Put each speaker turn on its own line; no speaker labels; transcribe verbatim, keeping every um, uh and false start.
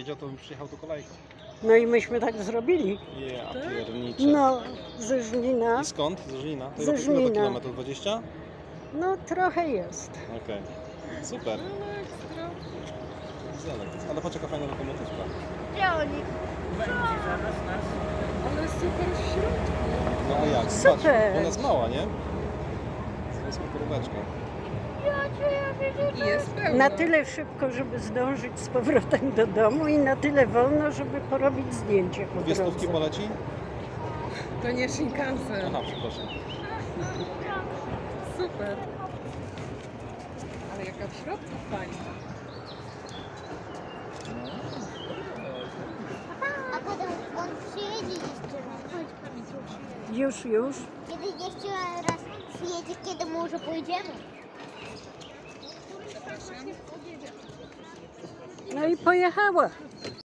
wiedział, to bym przyjechał tu kolejką.
No i myśmy tak zrobili.
Ja piernicze.
No, ze Żnina.
I skąd? Z Żnina? To
Ze
ile to
Żnina.
kilometrów? dwadzieścia?
No trochę jest.
Okej. Super. Zelek. Ale patrz jaka fajna lokomotywka.
Ale super w środku.
No a jak?
Super.
Patrz, ona jest mała, nie? To jest motoróweczka.
I jest pełno.
Na tyle szybko, żeby zdążyć z powrotem do domu i na tyle wolno, żeby porobić zdjęcie po
Dwie stówki
drodze.
poleci?
To nie Shinkansen.
Aha, przepraszam.
Super. Ale jaka w środku fajna.
A potem on przyjedzie jeszcze raz.
Już, już.
Kiedy jeszcze raz przyjedzie, kiedy może pójdziemy?
No i pojechała.